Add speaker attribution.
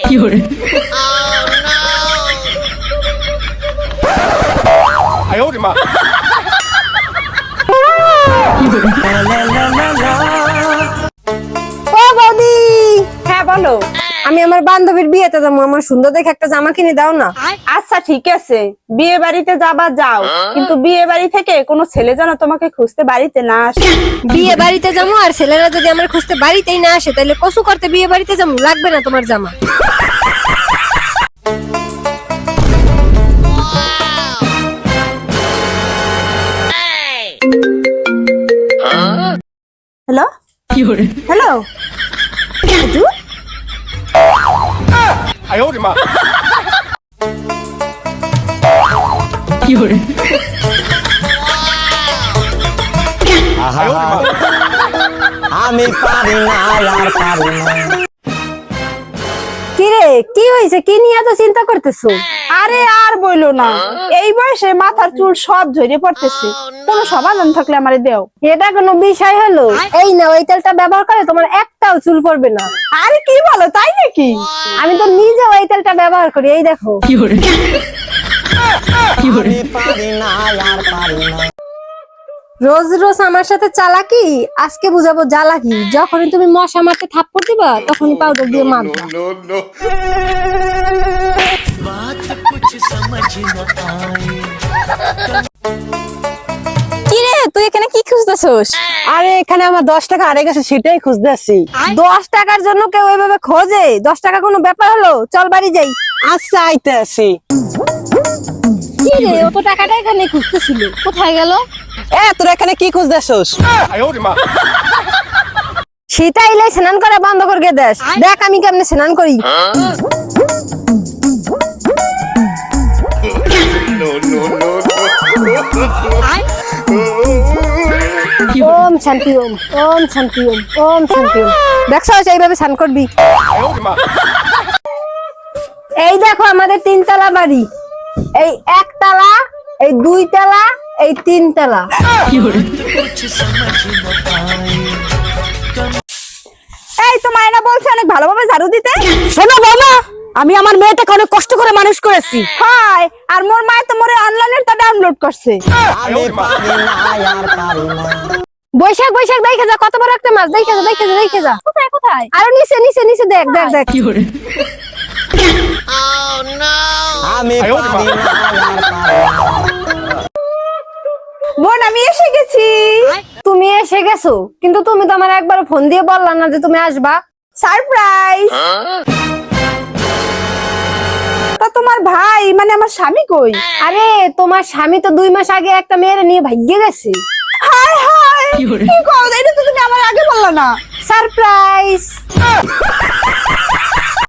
Speaker 1: 哎呦我的妈！
Speaker 2: ও বৌদি, হ্যাঁ বলো। আমি আমার বান্ধবীর বিয়েতে যাবো, আমার সুন্দর দেখে একটা জামা কিনে দাও না।
Speaker 3: আচ্ছা ঠিক আছে, বিয়ে বাড়িতে যাবা যাও, কিন্তু বিয়ে বাড়ি থেকে কোনো ছেলে যেন তোমাকে খুঁজতে বাড়িতে না আসে।
Speaker 2: বিয়ে বাড়িতে যাবো আর ছেলেরা যদি আমার খুঁজতে বাড়িতেই না আসে, তাহলে কসু করতে বিয়ে বাড়িতে যাবো? লাগবে না তোমার জামা।
Speaker 3: হ্যালো হ্যালো,
Speaker 1: 哎呦我的妈！
Speaker 4: আমি পারি না আর পারি না।
Speaker 2: কি রে, কি হয়েছে? কি নিয়ে এত চিন্তা করতেছো?
Speaker 3: আরে আর বইলো না, এই বয়সে মাথার চুল সব ঝরে পড়তেছে, কোনো সমাধান থাকলে আমারে দেও।
Speaker 2: এটা কোনো বিষয় হলো? এই না, ওই তেলটা ব্যবহার করে তোমার একটাও চুল পড়বে না।
Speaker 3: আরে কি বলো, তাই নাকি?
Speaker 2: আমি তো নিজে ওই তেলটা ব্যবহার করি, এই দেখো।
Speaker 4: আমি পারি না আর পারি না।
Speaker 2: রোজ রোজ আমার সাথে চালাকি, আজকে বুঝাবো জ্বালাকি। যখনই তুমি মশা মারতে থাপ্পড় দিবা, তখনই পাউডার দিয়ে মারবা।
Speaker 1: No no!
Speaker 3: কি রে, তুই এখানে কি খুঁজতেছস?
Speaker 5: আরে এখানে আমার 10 টাকা হারিয়ে গেছে, সেটাই খুঁজতেছি।
Speaker 2: 10 টাকার জন্য কেউ এভাবে খোঁজে? 10 টাকা কোনো ব্যাপার হলো? চল বাড়ি যাই।
Speaker 5: আচ্ছা আইতেছি।
Speaker 2: কি রে, অত টাকাটা এখানে খুঁজতেছিল, কোথায় গেল?
Speaker 5: তোরা এখানে কি খুঁজতেছস?
Speaker 1: 哎呦我的妈！
Speaker 2: সেটা এলে স্নান করা বন্ধ করে দেশ। দেখ আমি কেমনে স্নান করি।
Speaker 1: No no no!
Speaker 2: ওম শান্তি ওম, ওম শান্তি ওম, ওম শান্তি ওম। দেখছো এইভাবে স্নান করবি।
Speaker 1: 哎呦我的妈！
Speaker 2: এই দেখো আমাদের 3 তলা বাড়ি। এই 1 তলা, এই 2 তলা, এই 3 তলা।
Speaker 3: এই তো মায়না বলছে অনেক ভালোভাবে ঝাড়ু দিতে।
Speaker 5: শোনো বাবা, আমি আমার মেয়েটাকে অনেক কষ্ট করে মানুষ করেছি।
Speaker 3: হাই, আর মোর মায়ে তো মোরে অনলাইনে তা ডাউনলোড করছে।
Speaker 4: আমি পারি না আর পারি না।
Speaker 2: বৈশাখ বৈশাখ দেখে যা, কত বড় একটা মাছ। দেখে যা, দেখে যা, দেখে যা। কোথায় কোথায়? আরো নিচে নিচে নিচে দেখ দেখ দেখ।
Speaker 4: আমি পারি না আর পারি না।
Speaker 3: বোন আমি এসে গেছি।
Speaker 2: তুমি এসে গেছো, কিন্তু তুমি তো আমার একবার ফোন দিয়ে বললা না যে তুমি আসবা।
Speaker 3: সারপ্রাইজ। তা তোমার ভাই মানে আমার স্বামী কই?
Speaker 2: আরে তোমার স্বামী তো 2 মাস আগে একটা মেয়ের নিয়ে ভাগ্যে গেছে।
Speaker 3: হাই হাই, কি কও? এটা তো তুমি আমার আগে বললা না।
Speaker 2: সারপ্রাইজ।